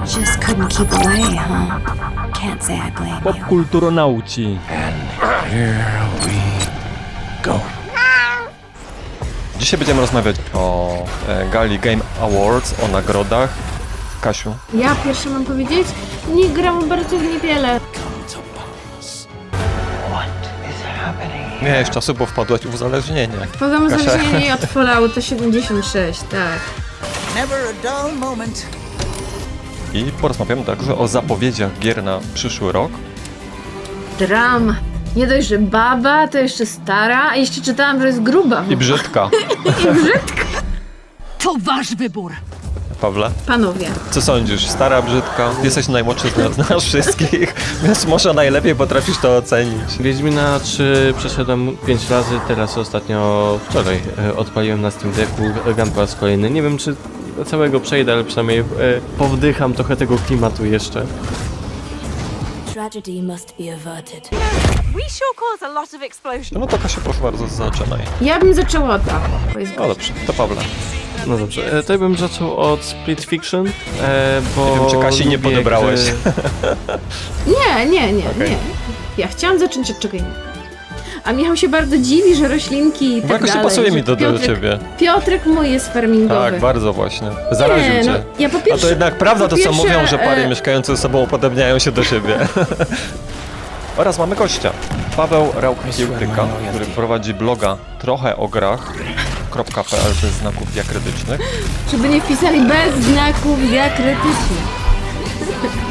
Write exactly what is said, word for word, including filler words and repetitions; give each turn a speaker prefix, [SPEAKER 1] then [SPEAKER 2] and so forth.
[SPEAKER 1] Just couldn't keep away, huh? Can't say I blame you.
[SPEAKER 2] Popkulturonauci.
[SPEAKER 3] Here we go.
[SPEAKER 2] Dzisiaj będziemy rozmawiać o e, gali Game Awards, o nagrodach. Kasiu,
[SPEAKER 4] Ja pierwsze mam powiedzieć? Nie gram bardzo w niewiele.
[SPEAKER 2] miałeś czasu, bo wpadłaś w uzależnienie.
[SPEAKER 4] Podam
[SPEAKER 2] Kasia.
[SPEAKER 4] uzależnienie od Fallouta siedemdziesiąt sześć, tak.
[SPEAKER 5] Never a dull moment.
[SPEAKER 2] I porozmawiamy także o zapowiedziach gier na przyszły rok.
[SPEAKER 4] Drama. Nie dość, że baba, to jeszcze stara, a jeszcze czytałam, że jest gruba.
[SPEAKER 2] I brzydka.
[SPEAKER 4] I brzydka.
[SPEAKER 5] To wasz wybór.
[SPEAKER 2] Pawle,
[SPEAKER 4] Panowie,
[SPEAKER 2] co sądzisz? Stara, brzydka? Jesteś najmłodszy z nas, z nas wszystkich, więc może najlepiej potrafisz to ocenić.
[SPEAKER 6] Wiedźmina trzy przeszedłem pięć razy, teraz ostatnio wczoraj e, odpaliłem na Steam Decku, gram po raz kolejny. Nie wiem, czy całego przejdę, ale przynajmniej e, powdycham trochę tego klimatu jeszcze.
[SPEAKER 1] Tragedy must be averted.
[SPEAKER 7] We sure cause a lot of explosions.
[SPEAKER 2] No to Kasiu, proszę bardzo, zaczynaj.
[SPEAKER 4] ja bym zaczęła od Pawła. bo jest
[SPEAKER 2] No dobrze, to Pawle.
[SPEAKER 6] No dobrze, e, to ja bym zaczął od Split Fiction, e, bo
[SPEAKER 2] Nie wiem, czy Kasi nie
[SPEAKER 6] lubię
[SPEAKER 2] podebrałeś.
[SPEAKER 6] gry-
[SPEAKER 4] Nie, nie, nie,
[SPEAKER 2] Okej.
[SPEAKER 4] nie. Ja chciałam zacząć od czego innego. A Michał się bardzo dziwi, że roślinki i
[SPEAKER 2] Bo
[SPEAKER 4] tak
[SPEAKER 2] jakoś nie
[SPEAKER 4] dalej,
[SPEAKER 2] pasuje
[SPEAKER 4] że
[SPEAKER 2] mi to do
[SPEAKER 4] Piotrek,
[SPEAKER 2] ciebie.
[SPEAKER 4] Piotrek mój jest farmingowy.
[SPEAKER 2] Tak, bardzo właśnie. Zaraził
[SPEAKER 4] Nie,
[SPEAKER 2] cię.
[SPEAKER 4] no, ja po
[SPEAKER 2] A
[SPEAKER 4] pierwsze,
[SPEAKER 2] to jednak prawda
[SPEAKER 4] po
[SPEAKER 2] to, co
[SPEAKER 4] pierwsze,
[SPEAKER 2] mówią, że pary
[SPEAKER 4] e,
[SPEAKER 2] mieszkające ze sobą upodobniają się do siebie. Oraz mamy gościa. Paweł Rauch-Kiełtyka, który prowadzi bloga trochę o grach .pl bez znaków diakrytycznych.
[SPEAKER 4] Żeby nie wpisali bez znaków diakrytycznych.